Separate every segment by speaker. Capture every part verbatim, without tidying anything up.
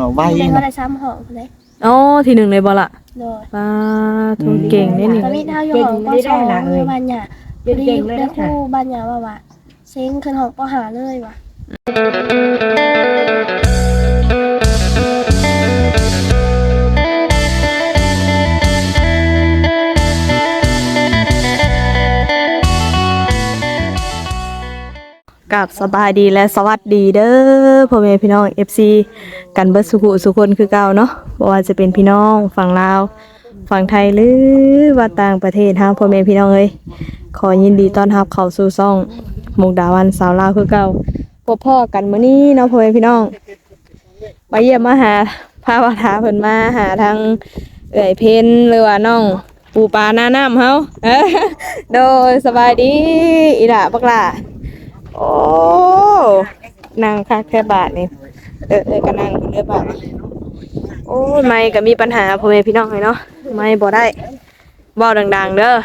Speaker 1: ไว้
Speaker 2: ได้
Speaker 1: นะ
Speaker 2: ว่าได้ซ้ำห้องเลย
Speaker 3: อ๋อที่หนึ่งเลยบ่ล่ะ
Speaker 2: โดย
Speaker 3: ป้าทุนเก่งได้นี่
Speaker 2: ตอนนี้เท่าอยู่ห้องปสองคือบ้านหยาพอดีได้ครูบ้านหยาว่าว่าเซ็งขึ้นห้องปห้าเลยว่ะ
Speaker 3: กับสบายดีและสวัสดีเด้อพ่อแม่พี่น้อง เอฟ ซี กันเบิดสุขุสุคนคือเก่าเนาะบ่ว่าจะเป็นพี่น้องฝั่งลาวฝั่งไทยหรือว่าต่างประเทศเฮาพ่อแม่พี่น้องเอ้ยขอยินดีต้อนรับเข้าสู่ช่องมุกดาวันสาวลาวคือเก่าพบพ่อกันมื้อนี้เนาะพ่อแม่พี่น้องมาเยี่ยมมาหาพาว่าถาเพิ่นมาหาทางเอื้อยเพ็ญหรือว่าน้องปูปลาหน้าน้ำเฮา โดยสบายดีอีหล่ะบักหล่ะ โอ้นางคักแค่บาทนี่เออเออก็นั่งเด้อบาทโอ้ยไม่ก็มีปัญหาพ่อแม่พี่น้องเลยเนาะไม่บ่ได้บ่ดังๆเด้อ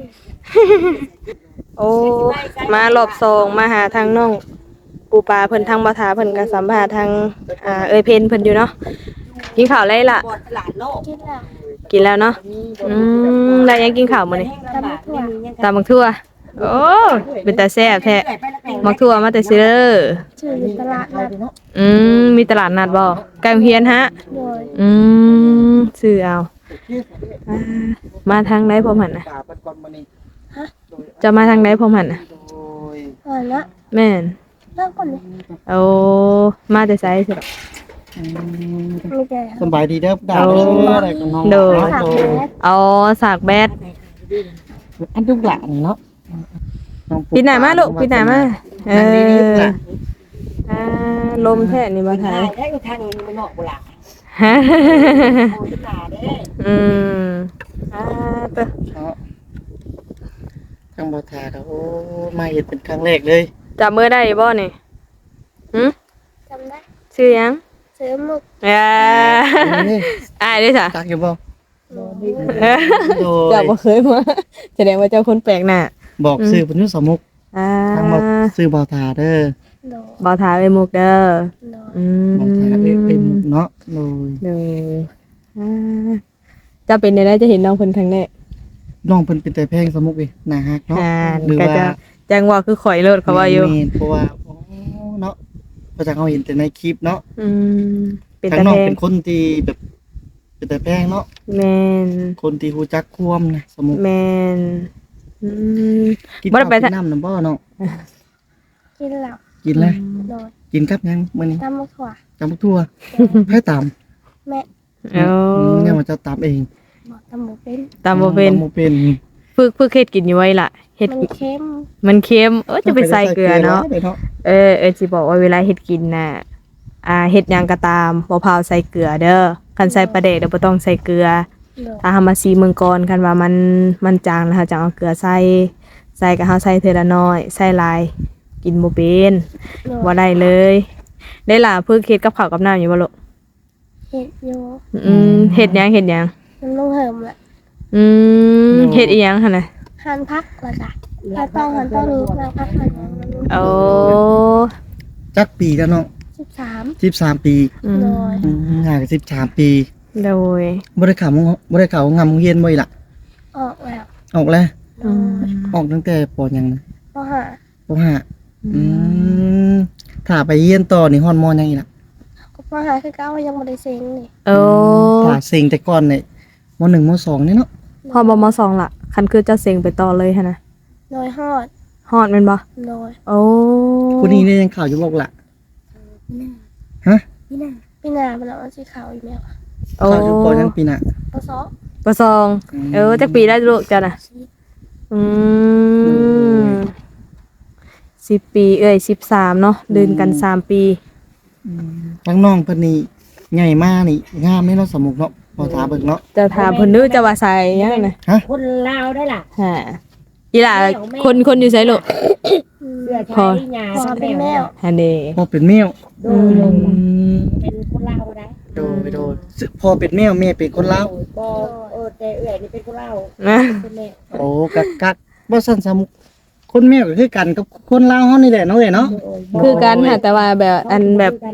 Speaker 3: โอ้มารอบสองมาหาทางน้องปูปลาเพิ่นทางบ่ทาเพิ่นก็สัมภาษณ์ทางอ่าเอ้ยเพิ่นเพิ่นอยู่เนาะกินข้าวไรล่ะ
Speaker 2: คิดแล้ว
Speaker 3: กินแล้วเนาะอืมได้ยังกินข้าวมื้อนี้
Speaker 2: ตำถั่ว
Speaker 3: ตำบักทั่วโอ้เป็นตาแซ่บแท้บักทั่วมาแต่ซื้อ
Speaker 2: ชื่ออยู่ตลาดนัด
Speaker 3: อืมมีตลาดนัดบ่ไก่เฮียนฮะ
Speaker 2: โดย
Speaker 3: อืมซื้อเอาอ่ามาทางไหนพร้อมหันน่ะ
Speaker 2: ฮะ
Speaker 3: จะมาทางไหนพร้อมหันน่ะ
Speaker 2: อ่อนละ
Speaker 3: แม่น
Speaker 2: เริ่มก่อนเลย
Speaker 3: โอ้มาแต่ไสสิ
Speaker 2: มีแต่
Speaker 1: สบายดีเด้อดาวเด้ออะไรกับน้อง
Speaker 3: โดย
Speaker 2: สามแมส
Speaker 3: เอาสากแบด
Speaker 1: อันทุกหลานเนาะ
Speaker 3: ปิดหน้ามาลูกปิดหน้ามาเอออ่าลมแท้นี่บ่ถ่าย
Speaker 4: ได้ก็ทางนี้มันนอกโบราณ
Speaker 3: ฮะ
Speaker 4: โอ้ยตาเด้
Speaker 3: อืมอ่าเตอ
Speaker 1: เนาะทางบ่ทาก็โอ้มาเห็นเป็นครั้งแรกเลย
Speaker 3: จับมือได้บ่นี่หึ
Speaker 2: จำได้
Speaker 3: ชื่อหยัง
Speaker 2: ซื้อหมุก
Speaker 3: อ่าอ้ายเด้จ้ะ
Speaker 1: ตักอยู่บ่ โด
Speaker 3: เจ้าย บ่เคยมาแสดงว่าเจ้าคนแปลกหน้า
Speaker 1: บอกซื้อเพิ่นอยู่สมุก
Speaker 3: อ่า
Speaker 1: ทางบ่ซื้อบ่ทาเด้อ
Speaker 2: โดย
Speaker 3: บ่ทาไว้มุกเด้อ
Speaker 2: โดย
Speaker 3: อืม
Speaker 1: บ่ทาเอ้ยเป็นเนาะโดย
Speaker 3: เด้ออ่าเจะเป็นได้จะเห็นน้องเพิ่นครั้งแรก
Speaker 1: น้องเพิ่นเป็นแต่แพงสมุกอีน่าฮักเนาะ
Speaker 3: อ่า
Speaker 1: หรือ
Speaker 3: ก็
Speaker 1: ว่า
Speaker 3: จะจังว่าคือข่อยเลิศเขาว่าอยู่
Speaker 1: แม่นเพราะว่าโอ้เนาะเพราะจากเราเห็นแต่ในคลิปเนาะ
Speaker 3: อืมเป็น
Speaker 1: ทาง
Speaker 3: ตา
Speaker 1: น้อง
Speaker 3: แพง
Speaker 1: เป็นคนที่แบบ เป็นแต่แพงเนาะ
Speaker 3: แม่น
Speaker 1: คนที่ฮู้จักความนะสมุก
Speaker 3: แม่นอืม
Speaker 1: กิน
Speaker 3: บ่ได้
Speaker 1: ข้าว
Speaker 3: ไป
Speaker 1: กินน้ำนํบ่เนาะ
Speaker 2: กินเหล้า
Speaker 1: กินแล้ว
Speaker 2: โดย
Speaker 1: กินกับหยังมื้อนี้
Speaker 2: ตำมะถั่ว
Speaker 1: จำบักทั่วไผตาม
Speaker 2: แม่
Speaker 3: เอา
Speaker 1: เนี่ยมันจะตามเอง
Speaker 2: บอกตำหมูเป็น
Speaker 3: ตามบ่เป็น
Speaker 1: ตามบ่เป็น
Speaker 3: ฝึกฝึกเฮ็ดกินอยู่ไว้ล่ะเฮ็ด
Speaker 2: มันเค็ม
Speaker 3: มันเค็มเออจะไปใส่เกลือเนาะ
Speaker 1: ไปใส่เกลือ
Speaker 3: เออเออสิบอกว่าเวลาเฮ็ดกินน่ะอ่าเฮ็ดหยังก็ตามบ่พาวใส่เกลือเด้อคันใส่ปลาแดกเดี๋ยวบ่ต้องใส่เกลือ
Speaker 2: โดย
Speaker 3: ถ้าเฮามาซีเมืองก่อนคันว่ามันมันจางแล้วเฮาจะเอาเกลือใส่ใส่ก็เฮาใส่เทื่อละน้อยใส่หลายกินบ่เป็น
Speaker 2: โดย
Speaker 3: บ่ได้เลย ได้ล่ะเพิ่งเฮ็ดกับข้าวกับน้ำอยู่บ่ลูก
Speaker 2: เห็ดโย
Speaker 3: อืมเฮ็ดหยังเฮ็ดหยัง
Speaker 2: มันต้องเหิมแหละ
Speaker 3: อืมเฮ็ดอีหยังหั่นน่ะ
Speaker 2: หันพักละจ้ะถ้าต้องหันต้องรู้แล้วพักหัน
Speaker 3: โอ้
Speaker 1: จักปีแล้วเนาะ
Speaker 2: สิบสาม
Speaker 1: สิบสามปี
Speaker 3: อืม
Speaker 2: โดย
Speaker 1: อืมห่างกันสิบสามปี
Speaker 3: โดย
Speaker 1: บ่ได้เข้าบ่ได้เข้างำโรงเรียนบ่อีหล่ะ
Speaker 2: ออกแล้ว
Speaker 1: ออกแล้ว
Speaker 2: โด
Speaker 3: อื
Speaker 2: ย
Speaker 3: ม
Speaker 1: ออกตั้งแต่ปหยังนะ
Speaker 2: ก็หา
Speaker 1: ปห้าอืมถ้าไปเรียนต่อนี่ฮอดมหยังอีหล่ะ
Speaker 2: ก็พอหาคือเก้ายังไม่ได้เซ็งนี่
Speaker 3: โอ้
Speaker 1: ถ้าเซ็งแต่ก่อนนี่มหนึ่งมสองนี่เนาะ
Speaker 3: พอบ่มสองล่ะคันคือเจ้าเซ็งไปต่อเลยหั่นน่ะ
Speaker 2: โดยฮอด
Speaker 3: ฮอดแม่นบ่
Speaker 2: โดย
Speaker 3: โอ้
Speaker 1: ผู้นี้เนี่ยยังข่าวอยู่บอกล่ะฮะ
Speaker 2: พี่นาพี่นาเป็นเอาสีขาวอีกแล้ว
Speaker 3: โอ้
Speaker 1: ข่าวอยู่ปยังปีน่ะ
Speaker 2: ปะซอ
Speaker 3: ปสองเออจักปีได้ลูกจ้ะน่ะอืมสิบปีเอ้ยสิบสามเนาะเดินกันสามปี
Speaker 1: ทั้งน้องเพิ่นนี่ใหญ่มากนี่งามแม่เนาะสมุกเนาะพอถาเบิ่งเนาะ
Speaker 3: จะถามเพิ่นดูจะว่าใส่ยังน่ะ
Speaker 4: คนลาวได้ล่ะ
Speaker 3: ฮะอีหล่ะคนคนอยู่ไสลูก
Speaker 4: เสื้อ
Speaker 3: พอ
Speaker 4: ชายหญ้า
Speaker 2: พอเป็นแมว
Speaker 3: ฮันเด
Speaker 1: พอเป็นแมว
Speaker 4: โด
Speaker 3: อื
Speaker 4: ย
Speaker 3: ม
Speaker 4: เป็นคนลาวได้
Speaker 1: โดยโดยซึ่งพอเป็นแมวแม่เป็นคนลาว
Speaker 4: บ่เออแต่เอื้อยนี่เป็นคนลาว
Speaker 3: นะ
Speaker 4: เป็นแม่
Speaker 1: โอ้กักกักบ่ซั่นสมุกคนแมวก็คือกันกับคนลาวเฮานี่แหละเนาะเอ้ยเนาะ
Speaker 3: คือกันค่ะแต่ว่าแบบอันแบบ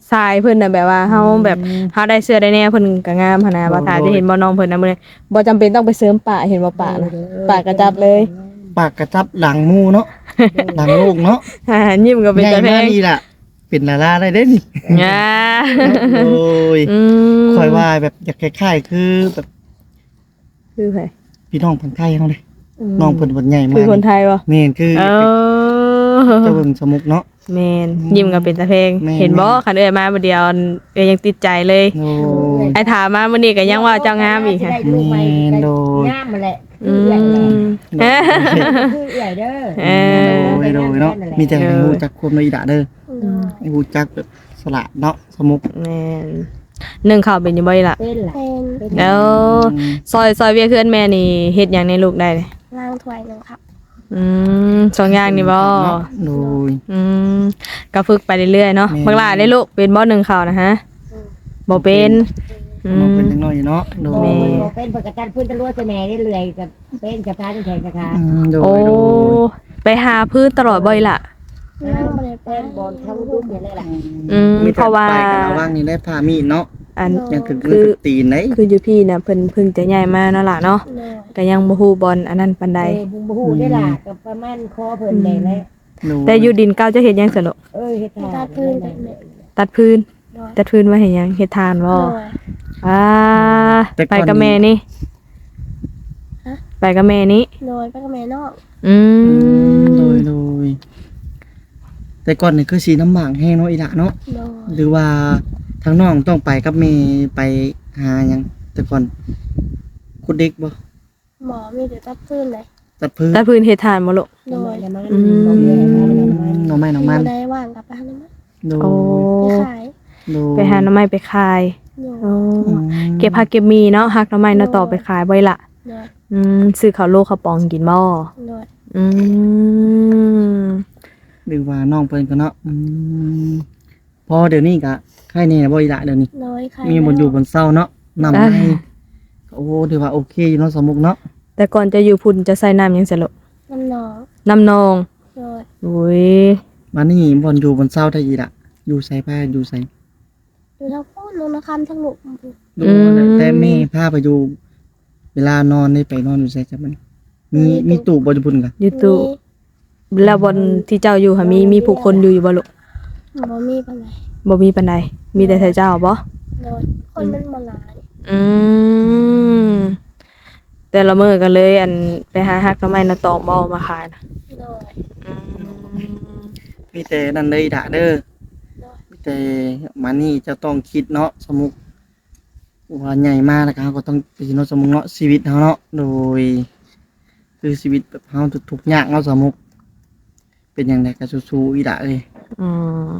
Speaker 3: ทรายเพิ่นน่ะแบบว่าเฮาแบบเฮาได้เสื้อได้แน่เพิ่นก็งามหั่นน่ะบ่ทาจะเห็นบ่น้องเพิ่นน่ะมื้อนี้บ่จำเป็นต้องไปเสริมปะเห็นบ่ปะนะปะกระจับเลย
Speaker 1: ปากกระจับหลังหมูเนาะ หลังลูกเนาะ
Speaker 3: อ่ายิ้มก็เป็น
Speaker 1: ใหญ่
Speaker 3: ตาแพ
Speaker 1: มาง นี่ล่ะเป็นดาราได้เด้นี่
Speaker 3: อ่า
Speaker 1: โอ้ย
Speaker 3: อืม
Speaker 1: คอยว่าแบบอยากคล้ายๆคือแบบ
Speaker 3: คือไผ
Speaker 1: พี่น้องคนไทยเฮาเลยน้องเพิ่นเพิ่นใหญ่มา
Speaker 3: คื
Speaker 1: ก
Speaker 3: อคนไทยบ่
Speaker 1: แม่นคือ
Speaker 3: เออ
Speaker 1: เจ้าเบิ่งสมุกเนาะ
Speaker 3: แม่นยิ้มก็เป็นตาแพง
Speaker 1: แม่น
Speaker 3: เห็นบ่คันเอ้ยมาบ่เดียวเอ้ยยังติดใจเลย
Speaker 1: โอ้ย
Speaker 3: ไอ้ถามมามื้อนี้ก็ยังว่าเจ้างามอีกค่ะ
Speaker 4: ได้ลูกใหม่
Speaker 1: แม่นโดย
Speaker 4: งามมาแหละ
Speaker 3: อื
Speaker 4: คือเอื่อยแหละ
Speaker 3: ม
Speaker 4: คือเอื่อยเด้อ
Speaker 3: เออ
Speaker 1: โดยโดยเนาะมีแต่ให้ฮู้จักความในอีดะเด้อ
Speaker 2: โดย
Speaker 1: ให้ฮู้จักแบบสละเนาะสมุก
Speaker 3: แม่นนึ่งข้าวเป็นอยู่บ่อีหล่ะ
Speaker 4: เป็นล่ะ
Speaker 2: เป็น
Speaker 3: แล้วซอยซอยเวียเพื่อนแม่นี่เฮ็ดหยังในลูกได้เลย
Speaker 2: ล่างถ้วยหนึงครับ
Speaker 3: อืมสองอย่างนี่บ่
Speaker 1: เนาะโดย
Speaker 3: อืมก็ฝึกไปเรื่อยๆเนาะ
Speaker 1: แม่น
Speaker 3: บักหลาได้ลูกเป็นบ่หนึ่งข้าวนะฮะบ่เป็นอื
Speaker 1: น้องเป็น
Speaker 3: ม
Speaker 1: จังน้อยเนาะโด
Speaker 4: โอ้
Speaker 1: ย
Speaker 4: ยบ่เป็นปกติพื้นตะลัวจะแม่ได้เลื่อยกับเป็นกับพาจังแข็งกะค่ะ
Speaker 1: อืมโด
Speaker 3: โอ้
Speaker 1: ยโดย
Speaker 3: ไปหาพื้นตลอดบ่อยล่ะ
Speaker 2: ล่างบ่ได้ไป
Speaker 4: เป็นบอลเข้าลูกเนี่ยเลยล่ะ
Speaker 3: อืม
Speaker 1: มีแต่
Speaker 3: เพราะว่า
Speaker 1: ไปกันเอาว่างนี่ได้พามีดเนาะ
Speaker 3: อัน
Speaker 1: ยังถึง
Speaker 3: คือ
Speaker 1: คือตีนไหน
Speaker 3: คืออยู่พี่น่ะเพิ่นเพิ่งจะย้ายมาเนาะล่ะเนาะ
Speaker 2: โดย
Speaker 3: ก็ยังบ่ฮู้บอลอันนั้นปานใด
Speaker 4: เออบุ้งบูฮู้ได้ล่ะกับประมาณคอเพิ่นได้แล้ว
Speaker 1: โดย
Speaker 3: แต่อยู่ดินเก่าจะเฮ็ดหยังสนุก
Speaker 4: เอ้ยเฮ็ดทาน
Speaker 2: ตัดพื้นไปแม่
Speaker 3: ตัดพื้น
Speaker 2: โดย
Speaker 3: ตัดพื้นไว้เฮ็ดหยังเฮ็ดทานบ่
Speaker 2: โดย
Speaker 3: อ่า
Speaker 1: แต่ก่
Speaker 3: ไป
Speaker 1: อน
Speaker 3: กับแม่นี่
Speaker 2: ฮะ
Speaker 3: ไปกับแม่นี่
Speaker 2: โดยไปกับแม่นอก
Speaker 3: อื
Speaker 1: อืม
Speaker 3: ม
Speaker 1: โดยโดยแต่ก่อนนี่คือสีน้ำหมากแห้งเนาะอีหละเนาะ
Speaker 2: โดย
Speaker 1: หรือว่าทางน้องต้องไปกับแม่ไปหาหยังแต่ก่อนคุดเด็กบ่
Speaker 2: หมอมีแต่ตัดพื้นเลย
Speaker 1: ตัดพื้น
Speaker 3: ตัดพื้นเฮ็ดทานบ่ลูก
Speaker 2: โดย
Speaker 4: น้ำมัน
Speaker 3: อืม
Speaker 4: บ่มีอะไรน้ำมัน
Speaker 1: น้องไม้น้องมัน
Speaker 2: ได้ว่างกลับไปหาน้ำมัน
Speaker 1: โดย
Speaker 3: โอ้
Speaker 2: ไปขาย
Speaker 1: โดย
Speaker 3: ไปหาหน่อไม้ไปขาย
Speaker 2: โดย
Speaker 3: โอ้
Speaker 1: อืม
Speaker 3: เก็บผักเก็บมีเนาะหักหน่อไม้เนาะต่อไปขายบ่อยละ
Speaker 2: โดย
Speaker 3: อืมซื้อข้าวโลข้าวปองกินบ่
Speaker 2: โดย
Speaker 3: อืม
Speaker 1: หรือว่าน้องเพิ่นก็เนาะอืมพอเดี๋ยวนี้ก็ใครแน่บ่อีหละเดี๋ยวนี้
Speaker 2: โดยขาย
Speaker 1: มีบนอยู่บนเศร้าเนาะนำให้โอ้ถือว่าโอเคอยู่เนาะสมมุกเนาะ
Speaker 3: แต่ก่อนจะอยู่พุ่นจะใส่น้ำหยังสิลูก
Speaker 2: น้ำหนอง
Speaker 3: น้ำนอง
Speaker 2: โดย
Speaker 3: อุ้ย
Speaker 1: มานี่บนอยู่บนเศร้าได้อีหละอยู่ใส่ผ้าอยู่ใส่
Speaker 2: อยู่ทั้งพูดลงนะครับทั้งหลุม
Speaker 1: ดูแต่แม่พาไปอยู่เวลานอนได้ไปนอนอยู่ใส่จับมันมีมีตู้บ่อยู่พุ่นกะ
Speaker 3: อยู่ตู้แล้วบนที่เจ้าอยู่ค่ะมีมีผู้คนอยู่อยู่บ่ลูก
Speaker 2: มีบ่มีปานไหน
Speaker 3: บ่มีปานใดมีแต่แต่เจ้าบ่
Speaker 2: โดยคนมันบ่หลาย
Speaker 3: อืมแต่ละมื้อก็เลยอันไปหาหักหน่อไม้เนาะตอกบ่เอามาขายนะ
Speaker 2: โดย
Speaker 3: อืม
Speaker 1: มีแต่นั่นเลยด่าเด้อมีแต่มานี่จะต้องคิดเนาะสมมุกว่าใหญ่มากแล้วก็เราก็ต้องไปเนาะสมมุกเนาะชีวิตเฮาเนาะโดย คือชีวิตแบบเฮาทุกๆอย่างเนาะสมมุก เป็นอย่างไรก็สู้ๆอีด่าเลย
Speaker 3: อืม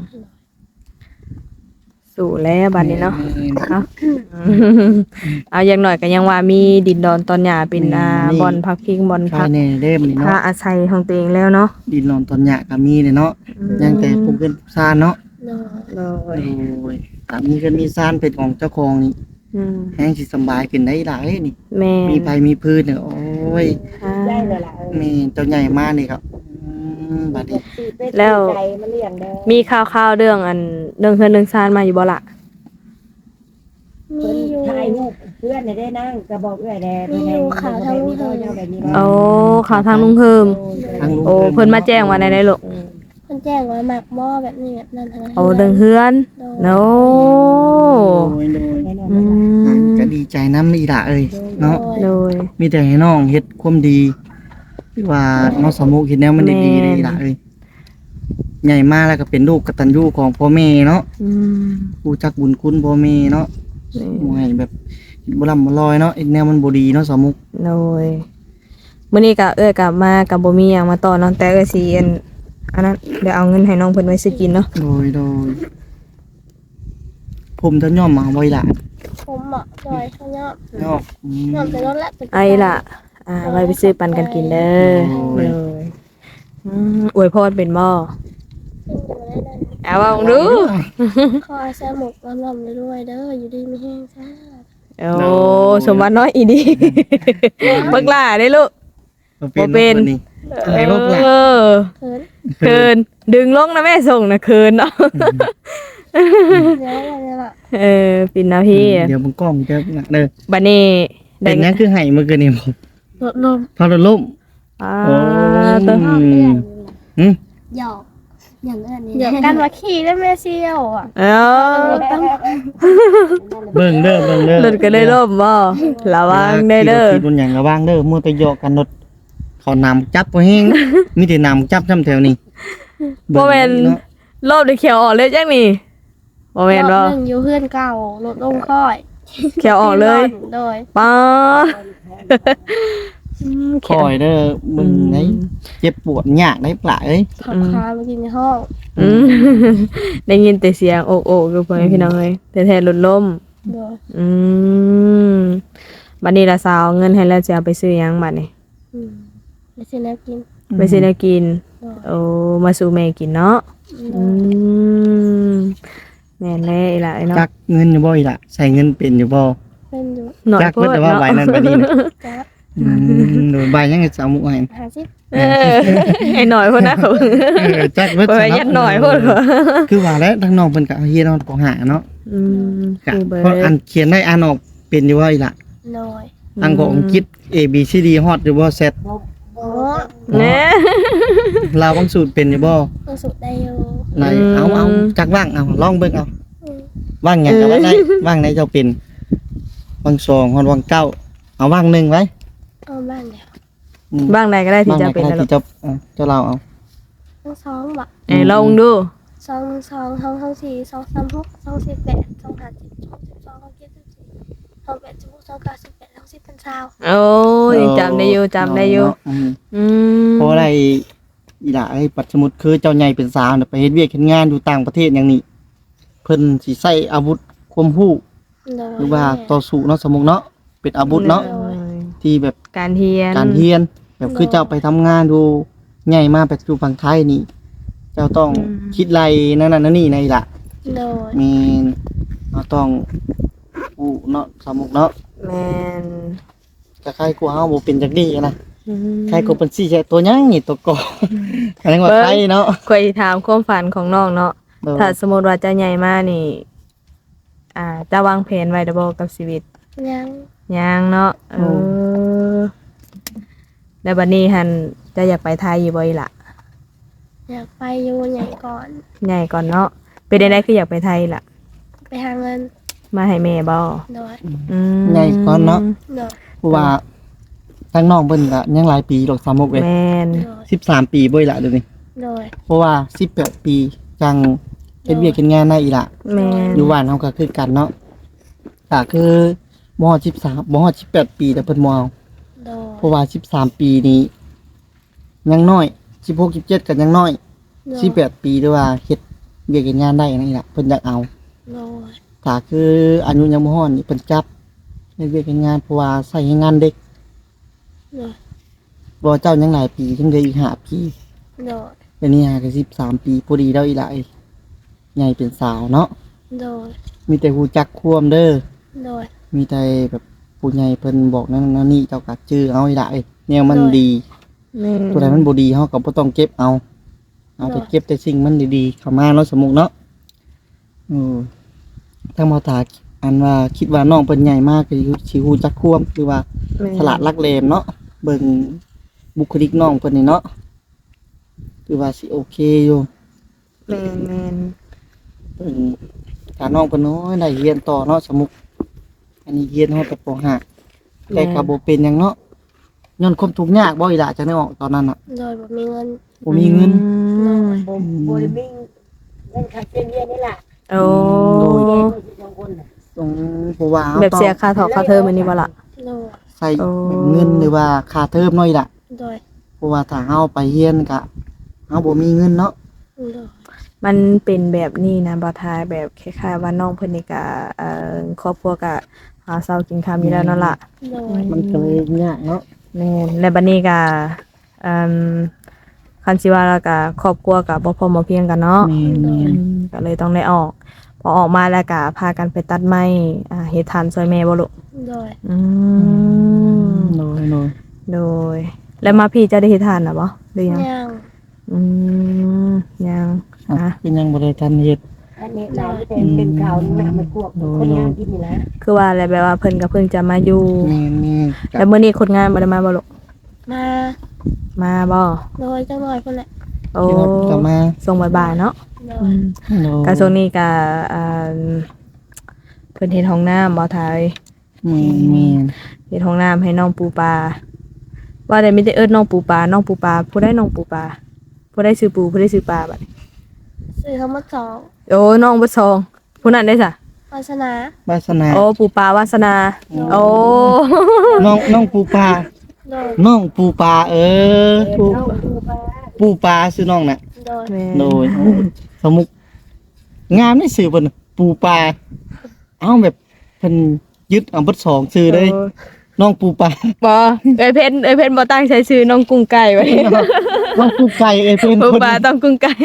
Speaker 3: สู่แล้วบัดนี้เนาะ เอา เอาอย่างหน่อยก็ยังว่ามีดินดอนตอนหญ้าเป็นอ่าบอนพักพิงบอน
Speaker 1: ใช่
Speaker 3: พัก
Speaker 1: แน่เด้มนี่
Speaker 3: พา
Speaker 1: เนาะ
Speaker 3: อาศัยของตัวเองแล้วเนาะ
Speaker 1: ดินนอนตอนหยาก็มีเลยเนาะยังแต่ปลูกเกินซานเนาะ
Speaker 2: โดย
Speaker 3: เล
Speaker 1: โอ้ยถ้ามีเกินมีซานเป็นของเจ้าของนี่
Speaker 3: อืม
Speaker 1: แห้งสิสำบายขึ้นได้หลายนี่
Speaker 3: แม่
Speaker 1: มีไผมีพื้นเนี่ยโอ้ย
Speaker 3: อ่า
Speaker 4: ได้เลยล่ะเออ
Speaker 1: แม่เจ้าใหญ่มากนี่ครับอืมบัดนี้
Speaker 4: ตีเป็ด
Speaker 3: แล้ว
Speaker 4: ไก่มาเลี้ยงเด้อ
Speaker 3: มีข่าวๆเรื่องอันเรื่องเฮือนเรื่องซานมาอยู่บ่ล่ะ
Speaker 2: มี
Speaker 4: เพิ่น
Speaker 2: อยู่
Speaker 4: ถ่ายรูปเพื่อนน่ะได้นั่งก็บอกเอ้อยแด
Speaker 2: มีอยู่ข่าวทางลูกเพิ่น
Speaker 4: แบบนี้
Speaker 3: โอ้ข่าวทางลุงเฮิม
Speaker 1: ทางลุง
Speaker 3: โอ้เพิ่นมาแจ้งว่าในได้ลูก
Speaker 2: เพิ่นแจ้งว่าหมักหม้อแบบนี้แบบนั้นทั้งนั้น
Speaker 3: โอ้เรื่องเฮือน
Speaker 2: โดย
Speaker 3: โน
Speaker 1: โดยโดย
Speaker 3: อื
Speaker 1: อ่ะ
Speaker 3: ม
Speaker 1: ก็ดีใจน้ำอีด่าเอ้ยเนาะ
Speaker 3: โดย
Speaker 1: มีแต่ให้น้องเฮ็ดความดีที่ว่าน้องสมุกเฮ็ดแนวมันดีๆเลยอีด่าเอ้ยใหญ่มากแล้วก็เป็นลูกกตัญญูของพ่อแม่เนาะ
Speaker 3: อืม
Speaker 1: รู้จักบุญคุณพ่อแม่เนาะ
Speaker 3: นี่
Speaker 1: บ่ให้แบบบ่ลำบ่ลอยเนาะไอ้แนวมันบ่ดีเนาะสมุก
Speaker 3: โดยมื้อนี้ก็เอ้ยกลับมากับบ่มีหยังมาต่อเนาะแต่เอ้ยสิอันอันนั้นเดี๋ยวเอาเงินให้น้องเพิ่นไว้ซื้อกินเนาะ
Speaker 1: โดยโดยผมจะย่อมมาไว้ล่ะ
Speaker 2: ผมเหมาะโดยเขายอม
Speaker 1: ย่อมอืม
Speaker 2: ยอมแต่รถและเป็น
Speaker 3: ไอ้ล่ะ อ่าไว้ไปซื้อปันกันกินเด้อ
Speaker 1: โอ้ย
Speaker 3: เลยอืมอวยพรเป็นบ่
Speaker 2: ได้ได้
Speaker 3: เอาว่าลองดู
Speaker 2: ขอให้สมุกลำลำรวยๆเด้ออยู่ดีมีแห้งซ่า
Speaker 3: โอ้สมบัติน้อยอีดีบักหล่าได้ลูก บ่เป็น
Speaker 1: นี่ไอ้พวกล่ะ
Speaker 3: เออ
Speaker 2: เขิน
Speaker 3: เคินดึงลงนะแม่ส่งนะเคินเนาะ
Speaker 2: เดี๋ยวอย่างนี้ล่ะ
Speaker 3: เออปินนะพี่
Speaker 1: เดี๋ยวมึงกล้องจะหนักเด้อ
Speaker 3: บัดนี้
Speaker 1: เป็นหยังคือให้เมื่อคืนนี้บ่
Speaker 2: รถลม
Speaker 1: พอรถล้ม
Speaker 3: อ่า
Speaker 1: โอ้
Speaker 3: ตัว
Speaker 2: พ่อเอื้อน
Speaker 1: หึ
Speaker 2: หยอกอย่างเอื้อนนี่เดี๋ยวกันว่าขี่ได้แม่เซียวอ่ะ
Speaker 3: เอ้าร
Speaker 2: ถต้อง
Speaker 1: เบิ่งเด้อเบิ่งเด้อ
Speaker 3: รถก็เลยล่มบ่ระวังได้เด้อ
Speaker 1: ขี่รถบนหยังระวังเด้อมัวแต่เหยาะกันรถเขานำจับบ่แฮงมีแต่นำจับซ้ำแถวนี้
Speaker 3: บ่แม่น
Speaker 1: เนาะ
Speaker 3: รอบได้เขียวออกเลยจังนี่บ่แม่นบ่
Speaker 2: รอบหนึ่งอยู่เพื่อนเก่ารถลงค่อย
Speaker 3: เขียวออกเลย
Speaker 2: โดย
Speaker 3: ป๊าด
Speaker 1: คอยเด้อมึงไหนเจ็บปวดยากได้ปลาเอ้ย
Speaker 2: ถอดคามากินในห้อง
Speaker 3: อืมได้ยินแต่เสียงโอกโอกอยู่พ่อแม่พี่น้องเอ้ยแต่แท้รถล้ม
Speaker 2: โดย
Speaker 3: อืมบัดนี้ละสาวเงินให้แล้วจะเอาไปซื้อหยังบัดนี้
Speaker 2: อืมไปซื้อน้ำกิน
Speaker 3: ไปซื้อแนวกิน
Speaker 2: โดย
Speaker 3: โอ้มาสู่แม่กินเนาะ
Speaker 2: โด
Speaker 3: อื
Speaker 2: ย
Speaker 3: มแม่นแน่อีหล่ะไอ้เนาะ
Speaker 1: จักเงินอยู่บ่อีล่ะใส่เงินเป็นอยู่บ่
Speaker 2: เป็นอยู่
Speaker 3: หน่อย
Speaker 1: จัก
Speaker 3: โพ
Speaker 1: เพิ่น
Speaker 3: ด
Speaker 1: แต่ว่า
Speaker 3: เนาะ
Speaker 1: ใบนั้นใบนี้น่ะ
Speaker 2: จ้า
Speaker 1: อืมโดยใบยังจะเอาหมุให้
Speaker 2: หาซิ
Speaker 3: เออไอ้หน่อยพุ่นนะเขา
Speaker 1: เออจักเบิด
Speaker 3: ไปยัดหน่อยพุ่นเหรอ
Speaker 1: คือว่าแล้วทางน้องเพิ่นก็เอาเฮียนอนก็หาเนาะ
Speaker 3: อืม
Speaker 1: กะ
Speaker 3: คือเบิด
Speaker 1: เพราะอันเขียนได้อ่านออกเป็นอยู่ว่าอีล่ะ
Speaker 2: โดย
Speaker 1: อังกฤษอังกฤษ A B C D ฮอดอยู่บ่เซต
Speaker 2: โอ้
Speaker 3: แน่
Speaker 1: ลาวบางสูตรเป็นอยู่บ่
Speaker 2: รู้สึกได้อยู่
Speaker 1: ไหนเอาเอาจักว่างเอาลองเบิ่งเอา
Speaker 2: อืม
Speaker 1: ว่างหยังก็ว่าได้ว่างไหนเจ้าเป็นว่างสองฮอดว่างเก้าเอาว่างหนึ่งไว้
Speaker 2: เอาบ้านเดียว
Speaker 1: อืม
Speaker 3: บ้างใดก็ได้ที่
Speaker 1: ว่างไห
Speaker 3: จะ
Speaker 1: น
Speaker 3: เป็น
Speaker 1: ก็ได้
Speaker 3: นะลู
Speaker 1: ที่
Speaker 3: ก
Speaker 1: เจ้าเออเจ้าเราเอา
Speaker 2: ทั้งสองบะ
Speaker 3: เอ้ยลองดู
Speaker 2: สองสองสองสองสี่สองสามหกสองสิบแปดสองห้าสิบสองสิบสองสองเจ็ดสิบสี่สองแปดสิบหกสองเก้าสิบแปดสองสิบเป็นสาว
Speaker 3: โอ้ยยังจำได้อยู่จำได้อยู่
Speaker 1: เนาะอืม
Speaker 3: อืม
Speaker 1: เพราะอะไรอีล่ะไอ้ปัจจุบันคือเจ้าใหญ่เป็นสาวน่ะไปเฮ็ดเวียกเฮ็ดงานอยู่ต่างประเทศอย่างนี้เพิ่นสิใช้อาวุธความรู้
Speaker 2: โดย
Speaker 1: หรือว่าต่อสู้เนาะสมมุติเนาะเป็นอาวุธเนาะ
Speaker 3: โอ้ย
Speaker 1: ที่แบบ
Speaker 3: การเฮียน
Speaker 1: การเรียนแบบคือเจ้าไปทำงานดูใหญ่มาแบบอยู่ฝั่งไทยนี่ เจ้าต้องคิดไรนั่นนั่นนั่นนี่ในล่ะ
Speaker 2: โดย
Speaker 1: มีเราต้องอู้เนาะสมุกเนาะ
Speaker 3: แม่น
Speaker 1: จะใครกูเฮาบ่เป็นจักดีนะ
Speaker 3: อืม
Speaker 1: ใครกูเป็นสี่ใช่ตัวยังนี่ตัวก่อแสดงว่าไทยเนาะ
Speaker 3: เคยถามความฝันของน้องเนาะ
Speaker 1: โดย
Speaker 3: ถ้าสมมติว่าจะใหญ่มากนี่ อ่า จะวางแผนไว้ดับบ่กับชีวิต
Speaker 2: ยัง
Speaker 3: ยังเนาะ เออ แล้วบัดนี้หันจะอยากไปไทยอยู่บ่อีหล่ะ
Speaker 2: อยากไปอยู่ใหญ่ก่อน
Speaker 3: ใหญ่ก่อนเนาะ เป็นได้คืออยากไปไทยล่ะ
Speaker 2: ไปหาเงิน
Speaker 3: มาให้แม่บ่
Speaker 2: โดย
Speaker 3: อืม
Speaker 1: ใหญ่ก่อนเนาะ
Speaker 2: โดย
Speaker 1: เพราะว่าทั้งน้องเพิ่นก็ยังหลายปีดอกสามมุกเว้ย
Speaker 3: แม่น
Speaker 2: โดย
Speaker 1: สิบสามปีบ่อีหละเดี๋ยวนี้
Speaker 2: โดย
Speaker 1: เพราะว่าสิบแปดปีจังเฮ็ดเวียกเฮ็ดงานได้อีหละ
Speaker 3: แม่น
Speaker 1: อยู่บ้านเฮาก็คือกันเนาะก็คือมสิบสามมสิบแปดปีแต่เพิ่นมเอา
Speaker 2: โดย
Speaker 1: เพราะว่าสิบสามปีนี้ยังน้อยสิบหก สิบเจ็ดก็ยังน้อย
Speaker 2: โดย
Speaker 1: สิบแปดปีด้วยว่าเฮ็ดเวียกเฮ็ดงานได้นั่นล่ะเพิ่นอยากเอา
Speaker 2: โดย
Speaker 1: ก็คืออายุยังบ่ฮอดนี่เพิ่นจับเฮ็ดเวียกเฮ็ดงานเพราะว่าใช้ให้งานเด็ก
Speaker 2: โดย
Speaker 1: บ่เจ้ายังหลายปีถึงได้อีกห้าปี
Speaker 2: โดย
Speaker 1: เดี๋ยวนี้หาก็สิบสามปีพอดีแล้วอีหลายใหญ่เป็นสาวเนาะ
Speaker 2: โดย
Speaker 1: มีแต่ฮู้จักความเด้อ
Speaker 2: โดย
Speaker 1: มีแต่แบบผู้ใหญ่เพิ่นบอกนั่นนั่นนี่เจ้าก็จื้อเอาอีหลายแนวมัน
Speaker 2: โดย
Speaker 1: ดี
Speaker 3: แม่น
Speaker 1: ตัวใดมันบ่ดีเฮาก็บ่ต้องเก็บเอา เอาแต่เก็บแต่สิ่งมันดีๆเข้ามาเนาะสมมุติเนาะอือถ้ามาถาอันว่าคิดว่าน้องเพิ่นใหญ่มากก็สิฮู้จักควมหรือว่า
Speaker 3: แม่น
Speaker 1: ฉลาดลักเลมเนาะเบิ่งบุคลิกน้องเพิ่นนี่เนาะคือว่าสิโอเคอยู่
Speaker 3: แม่นแม่น
Speaker 1: เบิ่งถ้าน้องเพิ่นน้อยได้เรียนต่อเนาะสมมุติอันนี้เรียนฮอดแต่ป .ห้า แต่ก็บ่เป็นหยังเนาะย้อนความทุกข์ยากบ่อีหล่ะจังได้ออกตอนนั้นน่ะ
Speaker 2: โดยบ่มีเงิน
Speaker 1: บ่มีเงิน
Speaker 3: อืม
Speaker 4: บ่บ่ได้มีเงินค่าเรียนเรียนนี่ล่ะ
Speaker 3: โอ้
Speaker 1: โดย
Speaker 4: สองคนน่ะ
Speaker 1: ตรงเพราะว่ารา
Speaker 3: แบบเสีย
Speaker 1: ต้อง
Speaker 3: ค่าถอค่าเทอมอันนี้บ่ล่ะ
Speaker 2: โดย
Speaker 1: ใส่
Speaker 3: โอ้
Speaker 1: เงินหรือว่าค่าเทอมน้อยล่ะ
Speaker 2: โดย
Speaker 1: เพราะว่าถ้าเฮาไปเรียนก็เฮาบ่มีเงินเนาะ
Speaker 2: โดย
Speaker 3: มันเป็นแบบนี้นะบ่ทายแบบคล้ายๆว่าน้องเพิ่นนี่ก็เอ่อครอบครัวก็หาเช้ากินค่ำอยู่แล้วนั่นล่ะ
Speaker 2: โดย
Speaker 1: มันก็เลยยากเนาะ
Speaker 3: แม่นและบัดนี้ก็เอ่อคันสิว่าแล้วก็ครอบครัวก็บ่พอมาเพียงกันเนาะ
Speaker 1: แม่น
Speaker 3: อืมก็เลยต้องได้ออก พอออกมาแล้วก็พากันไปตัดไม้อ่าเฮ็ดทานซอยแม่บ่ลูก
Speaker 2: โดย
Speaker 3: อืม
Speaker 1: โดยโดย
Speaker 3: โดย แล้วมาพี่จะได้เฮ็ดทานน่ะบ่หรือยัง
Speaker 2: ยัง
Speaker 3: อืมยัง
Speaker 1: อ่ะ
Speaker 3: อ่ะ
Speaker 1: เป็นยังบ่ได้ทันเฮ็ด
Speaker 4: อันนี้เราเป็นเป็นเขาหนักมันพวกคนงานที่นี่นะ
Speaker 3: คือว่าอะไรแบบว่าเพิ่นก็เพิ่งจะมาอยู่
Speaker 1: แม่นี่
Speaker 3: แล้วมื้อนี้คนงานบ่ได้มาบ่ลูก
Speaker 2: มา
Speaker 3: มาบ่
Speaker 2: โดยจังหน่อยพุ่นแหละ
Speaker 3: โอ้
Speaker 1: ที่เรากลับมา
Speaker 3: ส่งบ่ายๆเนาะ
Speaker 2: โด
Speaker 3: อื
Speaker 2: ย
Speaker 3: ม
Speaker 1: โดย
Speaker 3: ก็ช่วงนี้ก็อ่าเพิ่นเฮ็ดห้องน้ำบ่ทาย
Speaker 1: แม่แม่
Speaker 3: เฮ็ดห้องน้ำให้น้องปูปลาว่าได้มีแต่เอิ้นน้องปูปลาน้องปูปลาผู้ใดน้องปูปลาผู้ใดชื่อปูผู้ใดชื่อปลาบัดนี้
Speaker 2: ซื้อเขามาสอง
Speaker 3: โอ้น้องบ่ซองผู้นั้นได้ซะ
Speaker 2: วาสนาว
Speaker 1: าสนา
Speaker 3: โอ้ปูปลาวาสนาโอ้
Speaker 1: น้องน้องปูปลา
Speaker 2: โดย
Speaker 1: น้องปูปลาเออปู
Speaker 4: เอาดูไป
Speaker 1: ปูปลาซื้อน้องน่ะ
Speaker 2: โดย
Speaker 3: แม่
Speaker 1: โดยสมุกงามได้สื่อเพิ่นปูปลาเอ้าแบบเพิ่นยึดเอาเบิดสองชื่อเลย น้องปูปลา
Speaker 3: บ่เอ้ยเพนเอ้ยเพนบ่ตั้งใช้ชื่อน้องกุ้งไก่ไว้
Speaker 1: น้องปูไก่เอ้ยเพิ่น
Speaker 3: ปู
Speaker 1: คน
Speaker 3: ปลาต้องกุ้งไก่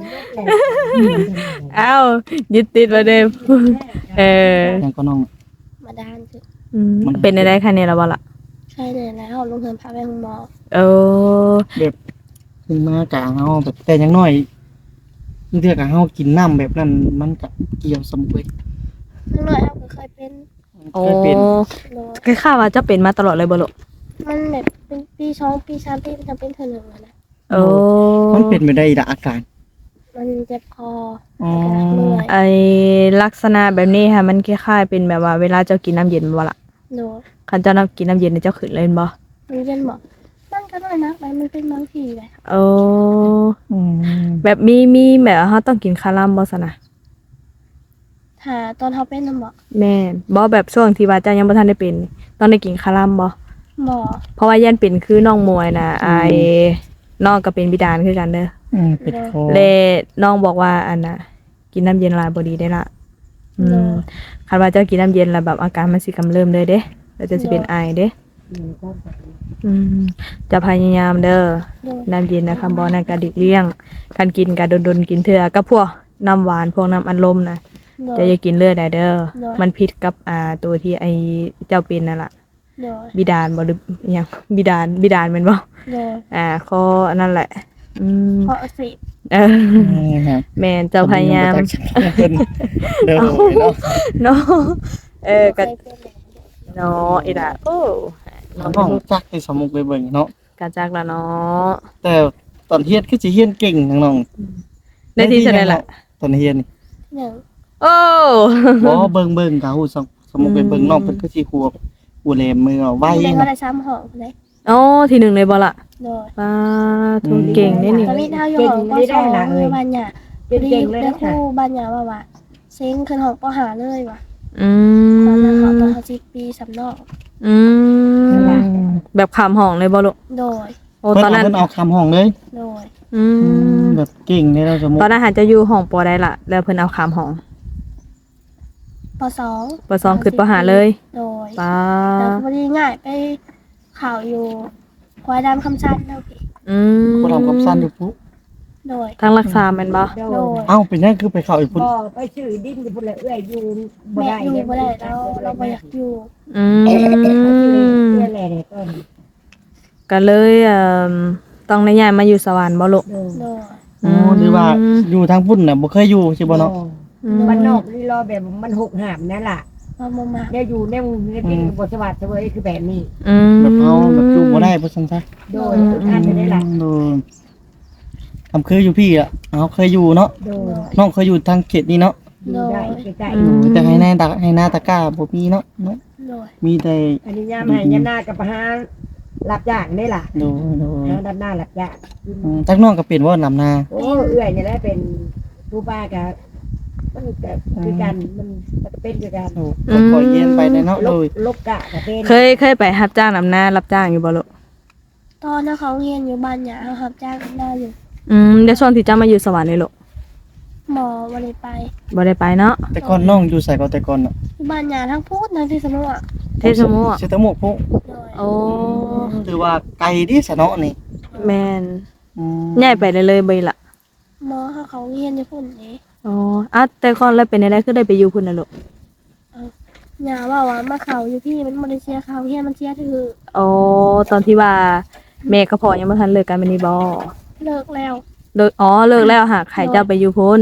Speaker 3: เอ้ายึดติดไว้เด้อเออ
Speaker 1: ยังก็น้อง
Speaker 2: มาดานสิ
Speaker 3: อืมเป็นได้คะแนนแล้วบ่ล่ะ
Speaker 2: ใช่เลยแล้วลงเงินพาไปหงหมอ
Speaker 3: เออ
Speaker 1: แบบเพิ่นมากะเฮาแบบแต่อยังน้อยเทื่อกะเฮากินน้ำแบบนั้นมันก็เกี่ยวสมุกเลย
Speaker 2: ทั้งหน่อยเขาก็เคยเป็น
Speaker 3: โอ้
Speaker 1: เคยเป็น
Speaker 2: โดย
Speaker 3: คือข้าว่าจะเป็นมาตลอดเลยบ่ลูก
Speaker 2: มันแบบเป็นปีสองปีสามปีมันจะเป็นเธอหนึ่งแล้วนะ
Speaker 3: โอ้
Speaker 1: มันเป็นไปได้ละอาการ
Speaker 2: มันเจ็บคอ
Speaker 1: อ๋อ
Speaker 2: เหนื่อย
Speaker 3: ไอลักษณะแบบนี้ค่ะมันคล้ายๆเป็นแบบว่าเวลาเจ้ากินน้ำเย็นบ่ล่ะ
Speaker 2: โดย
Speaker 3: คันเจ้าน้ำกินน้ำเย็นเนี่ยเจ้าขึ้นเลยบ่
Speaker 2: มันเป็นหมอมันก็น้อยนะมันมันเป็นบางทีเลย
Speaker 3: โอ้
Speaker 1: อืม
Speaker 3: แบบมีมีแบบว่าเฮาต้องกินคาลัมบ่ซะนะ
Speaker 2: หาตอนเขาเป็นหมอ
Speaker 3: แม่นบ่แบบช่วงที่ว่าเจ้ายังบ่ทันได้เป็นต้องได้กินคาลัมบ่
Speaker 2: หมอ
Speaker 3: เพราะว่ายันเป็นคือน้องมวยน่ะไอ้น้องก็เป็นบิดาลคือกันเด้อ
Speaker 1: อืมเป็นคอ
Speaker 3: เลน้องบอกว่าอันน่ะกินน้ำเย็นหลายบ่ดีได้ละอืมคันว่าเจ้ากินน้ำเย็นแล้วแบบอาการมันสิกำเริบเลยเด้แล้วจะสิเป็นไอเด้
Speaker 4: อืมก็
Speaker 3: อืมจะพยายามเด้อ
Speaker 2: โดย
Speaker 3: น้ำเย็นนะคำบอกนั่นก็ดิกเลี่ยงคันกินก็ดนๆกินเทื่อก็พวกน้ำหวานพวกน้ำอัดลมน่ะ
Speaker 2: โด
Speaker 3: จะ
Speaker 2: ย
Speaker 3: อย่ากินเลือดได้เด้อ
Speaker 2: ได้
Speaker 3: มันผิดกับอ่าตัวที่ไอเจ้าเป็นนั่นล่ะ
Speaker 2: โดย
Speaker 3: บิดาลบ่หรืออิหยังบิดาลบิดาลแม่นบ่
Speaker 2: โดย
Speaker 3: อ่าข้ออันนั้นแหละ อืม
Speaker 2: เพราะสิ
Speaker 3: เออ
Speaker 1: นี่ครับ
Speaker 3: แม่นเจ้าพยายาม
Speaker 1: เพิ่นเด้อเนาะ
Speaker 3: เนาะเออก็
Speaker 2: เคยเป็นเลย
Speaker 3: เนาะอีล่ะโอ้
Speaker 1: น้องจักให้สมุกไปเบิ่งเนาะ
Speaker 3: กะจักละเนาะ
Speaker 1: แต่ตอนเฮียนคือสิเฮียนเก่งน้องๆ
Speaker 3: ได้ที่เท่าไหร่ล่ะ
Speaker 1: ตอนเฮียนนี่
Speaker 2: หนึ่ง
Speaker 3: โอ้
Speaker 1: บ่เบิ่งเบิ่งกะฮู้สมสมุกไปเบิ่งน้องเพิ่นคือสิหัวหัวแหลมมือเอาไว้
Speaker 2: ได้
Speaker 1: นะ
Speaker 2: ว่าได้ซ้ำหองเลย
Speaker 3: โอ้ที่หนึ่งเลยบ่ล่ะ
Speaker 2: โดย
Speaker 3: ป้าทุนเก่งนี่นี่
Speaker 2: ตอนนี้เท่าอยู่หองปสองเลยบ้านหยา
Speaker 4: เป็นเก่งเลย
Speaker 2: ได้
Speaker 4: นะ
Speaker 2: คู่บ้านหยาว่าว่าเซ็งขึ้นหองปหาเลยว่ะ
Speaker 3: อื
Speaker 2: ตอนนั้นเขาตอน
Speaker 3: ม
Speaker 2: เขาสิบปีสำนอก
Speaker 3: อืมแบบขามห้องเลยบ่ลูก
Speaker 2: โดย
Speaker 3: โอ้
Speaker 1: เพิ่น
Speaker 3: ตอน
Speaker 1: เอา
Speaker 3: นั้น
Speaker 1: เพิ่นเอาคำห้องเลย
Speaker 2: โดย
Speaker 3: อืม
Speaker 1: แบบเก่งนี่เราสมุก
Speaker 3: ตอนนั้นหาจะอยู่ห้องปอได้ล่ะ แล้วเพิ่นเอาขามห้อง
Speaker 2: ปสอง
Speaker 3: ปสองขึ้นปหาเลย
Speaker 2: โดย
Speaker 3: ป้า
Speaker 2: แล้วพอดีง่ายไปข่าวอยู่ควายดำคำสั้นแล้วพี่
Speaker 3: อืม
Speaker 1: บ่ทำคำสั้นอยู่ปุ๊
Speaker 2: โดย
Speaker 3: ทางรักษาแม่นบ่
Speaker 4: โด
Speaker 2: โด
Speaker 4: ย
Speaker 2: ย
Speaker 1: เอ้าเป็นยังคือไปเข้าอีกพุ่น
Speaker 4: ก็ไปชื่อดิ้นอยู่พุ่นเลยเอื้อยอยู่บ่
Speaker 2: แม่
Speaker 4: ได้
Speaker 2: อยู่บ่ได้เราเราบ่อยากอยู่
Speaker 3: อืม
Speaker 4: เอื้อยแหล่เนี่ยต้น
Speaker 3: ก็เลยเอ่อต้องได้ย้ายมาอยู่สวรรค์บ่ลูก
Speaker 4: โดย
Speaker 2: โดย
Speaker 1: อ๋อหรือว่าอยู่ทางพุ่นน่ะบ่เคยอยู่ใช่บ่เนาะ
Speaker 3: อืม
Speaker 4: มันนอกนี่รอแบบมันหกหามนั่นล่ะ
Speaker 2: มามามา
Speaker 4: เนี่ยอยู่ในในที่บทสวัสดิ์เสวยคือแบบนี้
Speaker 3: อืม
Speaker 1: แบบเอาแบบอยู่บ่ได้บ่ซั่นซะ
Speaker 4: โดยทุกท่านจะได้หลัก
Speaker 1: โดยทำคืออยู่พี่อ่ะเอาเคยอยู่เนาะ
Speaker 4: โดย
Speaker 1: น้องเคยอยู่ทางเขตนี้เนาะ
Speaker 4: อยู่ได้ใกล้
Speaker 1: อยู่แต่ให้หน้าตาให้หน้าตะกร้าบ่มีเนาะเนาะ
Speaker 2: โดย
Speaker 1: มีแต่
Speaker 4: ๆอันนี้ย่ามให้ย่ามหน้ากับพารับจ้างได้ล่ะ
Speaker 1: โดยโดย
Speaker 4: แล้วด้านหน้ารับจ้าง
Speaker 1: อืมจักน้องก็เป็นว่าลำนา
Speaker 4: โอ้เอื้อยเนี่ยแหละเป็นผู้ป้ากับมันกับคือกันมันมันก็เป็นคือกัน
Speaker 1: โอ้ก็ปล่อยเย็นไปได้เนาะ
Speaker 4: ล
Speaker 1: โด
Speaker 4: บ
Speaker 1: ย
Speaker 4: ลบกะกับเป็น
Speaker 3: เคยเคยไปรับจ้างนำหน้ารับจ้างอยู่บ่ลูก
Speaker 2: ตอนนั้นเขาเรียนอยู่บ้านหยาเขารับจ้างได้อยู่
Speaker 3: อืมเดี๋ยวช่วงที่เจ้ามาอยู่สวรรค์นี่ลูก
Speaker 2: หมอวันนี้ไป
Speaker 3: บ่ได้ไปเนาะ
Speaker 1: แต่ก่อนน้องอยู่ใส่ก็แต่ก่อนเนาะ
Speaker 2: ที่บ้านหยาทั้งพูดทั้งที่สมุทร
Speaker 3: เทศมุอะ
Speaker 1: เสยแตะโมกพวก
Speaker 2: โดย
Speaker 3: โอ้
Speaker 1: ถือว่าไกลดิสะเนาะนี่
Speaker 3: แม่น
Speaker 1: อืม
Speaker 3: ย้ายไปเลยเลยบ่ล่ะ
Speaker 2: หมอเขาเขาเรียนอยู่พุ่นนี้
Speaker 3: อ๋ออ่ะแต่ก่อนแล้วเป็นได้คือได้ไปอยู่พุ่นน่ะลูก
Speaker 2: หยาว่าว่ามาเขาอยู่พี่มันบ่ได้เสียเขาเรียนมันเสียถือ
Speaker 3: อ๋อตอนที่ว่าแม่กับพ่อยังบ่ทันเลิกกันแม่นนี่บ่
Speaker 2: เลิกแล้ว
Speaker 3: เลิกอ๋อเลิกแล้วหากให้เจ้าไปอยู่พุ่น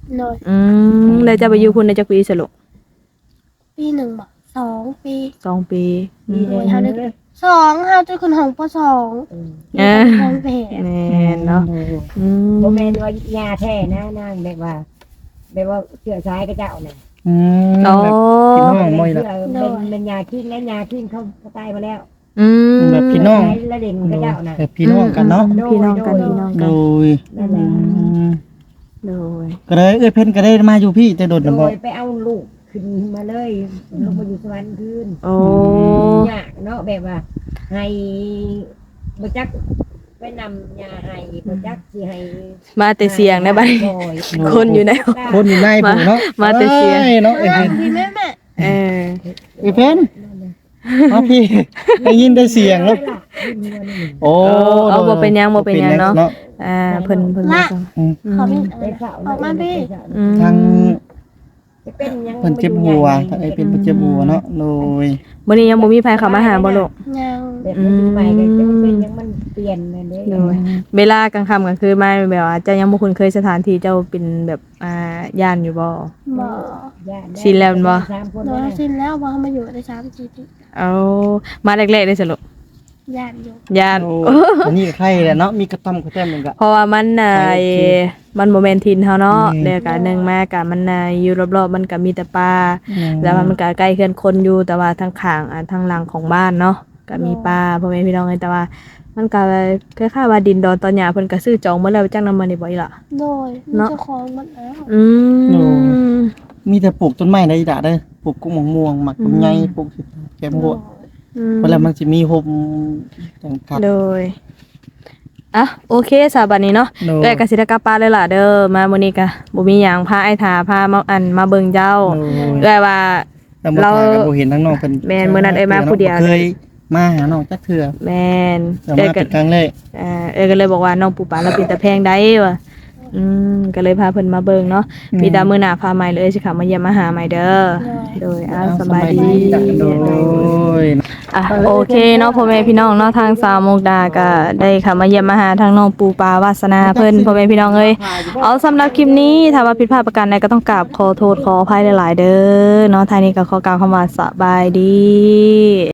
Speaker 2: โดย
Speaker 3: อืมแล้วจะไปอยู่พุ่นได้จักปีสรุป
Speaker 2: ปีหนึ่งบ่สองปี
Speaker 3: สองปีอื
Speaker 4: ดี
Speaker 3: ม
Speaker 4: เลยเฮาเลย
Speaker 2: สองเฮาจะขึ้นห้องปสอง
Speaker 3: เออ
Speaker 2: ห้องแผล
Speaker 3: แม่นเนาะอืม
Speaker 4: บ่แม่นว่ายาแท้นะนางแบบว่าแบบว่าเชื่อสายก็เจ้าน่ะ
Speaker 1: อืม
Speaker 3: โอ้
Speaker 1: พี่น้องบ่อย
Speaker 4: เชื่
Speaker 1: ละ
Speaker 4: อเป็นเป็นยาคิงและยาคิงเขาเขาตายมาแล้ว
Speaker 3: อืม
Speaker 1: แบบพี่น้อง
Speaker 4: ใช้ละเด่นก็เจ้าน่ะ
Speaker 1: แบบพี่น้องกันเนาะ
Speaker 3: อืมพี่น้องกันพี่น้อง
Speaker 1: โด
Speaker 3: กัน
Speaker 1: ย
Speaker 4: นั่นแหละ
Speaker 1: อืม
Speaker 3: โดย
Speaker 1: ก็เลยเอ้ยเพิ่นก็ได้มาอยู่พี่แต่โดด
Speaker 4: โด
Speaker 1: น่ะบ่
Speaker 4: ยไปเอาลูกขึ้นมาเลยลงมาอยู่สวรรค์คืน
Speaker 3: โอ้
Speaker 4: ยากเนาะแบบว่าให้บ่จักไปนำยาให้บ่จักสิให้
Speaker 3: มาแต่เสียงได้บัดนี้
Speaker 4: โอ้ย
Speaker 3: คนอยู่ใน
Speaker 1: คนอยู่ในผู้เนาะ
Speaker 3: มาแต่เสีย
Speaker 1: อ้เนาะเอ้ย
Speaker 2: แม่
Speaker 1: เพิ่น
Speaker 2: พี่แม่แม่
Speaker 3: เออ
Speaker 1: เอ้ยเพิ่นมาพี่ได้ยินได้เสียงแล้วโอ้
Speaker 3: เอาบ่เป็นหยังบ่เป็นหยังเนาะ อ่าเพิ่นเพิ่นมาจัง
Speaker 1: อืม
Speaker 2: ขอมี
Speaker 4: ไปเฝ้า
Speaker 2: ออกมาพี่
Speaker 3: อืม
Speaker 1: ทาง
Speaker 4: เป็นยัง
Speaker 1: เพิ่นเจ็บหัวทางไอ้เป็นเพิ่นเจ็บหัวเนาะโดย
Speaker 3: มื้อนี้ยังบ่มีไผเข้ามาหาบ่ลูก
Speaker 2: ยัง
Speaker 4: แบบมันใหม่ก็จะเป็นยังมันเปลี่ยนนั่นเด้
Speaker 3: โดย เวลากลางค่ำกลางคืนมาแบบว่าเจ้ายังบ่คุ้นเคยสถานที่เจ้าเป็นแบบอ่าย่านอยู่บ่
Speaker 2: บ่
Speaker 3: ชินแล้วแม่นบ่
Speaker 4: สามคน
Speaker 2: โด
Speaker 4: นั่
Speaker 2: ย
Speaker 4: นน่ะ
Speaker 2: สิ้นแล้วว่าเขามาอยู่ได้สามสี่ปี
Speaker 3: เอามาแรกๆได้สรุป
Speaker 2: ญาติอยู่
Speaker 3: ย่าน
Speaker 1: โอ้อันนี้ก็ใครแหละเนาะมีกระต้อมกระแต้มหนึงก็
Speaker 3: เพราะว่ามันน่ะ
Speaker 1: ไป
Speaker 3: ไอ้
Speaker 1: ที่
Speaker 3: มันบ่แม่นถิ่นเฮาเนาะ
Speaker 1: อืม
Speaker 3: เดี๋ยวก็หนึงมาก็มันน่ะอยู่รอบๆมันก็มีแต่ป่า แล้วมันก็ใกล้เคือนคนอยู่แต่ว่าทางข้างอ่าทางหลังของบ้านเนาะก็มีป่าพ่อแม่พี่น้องเอ้ยแต่ว่า มันก็คล้ายๆว่าดินดอนตอนหญ้าเพิ่นก็ซื้อจองหมดแล้วจังนำมานี่บ่อีหล่ะ
Speaker 2: โดยมี
Speaker 3: เนาะ
Speaker 2: เจ้าของมันแล้ว
Speaker 3: อืม
Speaker 1: มีแต่ปลูกต้นไม้ในอีดาเด้อปลูกกุ้งมะม่วงหมักลำไยปลูกแกมบัว
Speaker 3: อืม
Speaker 1: เวลามันสิมีโฮมจังครับ
Speaker 3: โดยอ่ะโอเคสาบัดนี้เนาะ
Speaker 1: โดย
Speaker 3: เอ้ยก็สิได้กลับบ้านเลยล่ะเด้อมามื้อนี้ก็บ่มีหยังพาไอ้ทาพามาอันมาเบิ่งเจ้า
Speaker 1: โดย
Speaker 3: เอ้ยว่า
Speaker 1: แต่บ่
Speaker 3: เรา
Speaker 1: ทาก็บ่เห็นทั้งน้องเพิ่น
Speaker 3: แม่นมื้อนั้นเอ้ยมาผู้เดียว
Speaker 1: บ่เคยมาหาน้องจักเทื่อ
Speaker 3: แม่น
Speaker 1: แต่
Speaker 3: เอ้ย
Speaker 1: มา
Speaker 3: ก็
Speaker 1: เป็นครั้งแรก
Speaker 3: เอ่อเอ้ยก็เลยบอกว่าน้องปูปลาเราเป็นตะแพงได้ว่ะอืมก็เลยพาเพิ่นมาเบิ่งเนาะมีดามื้อหน้าพาใหม่เลยสิค่ะมาเยี่ยมมาหาใหม่เด้อโดยอ่าสบายดี
Speaker 1: จ้ะโดย
Speaker 3: อ่ะโอเคเนาะพ่อแม่พี่น้องเนาะทางสาวมุกดาก็ได้ค่ะมาเยี่ยมมาหาทางน้องปูปลาวาสนาเพิ่นพ่อแม่พี่น้องเอ้ยเอาสำหรับคลิปนี้ถ้าว่าผิดพลาดประการใดก็ต้องกราบขอโทษขออภัยหลายๆเด้อเนาะทางนี้ก็ขอกล่าวคำว่าสบายดี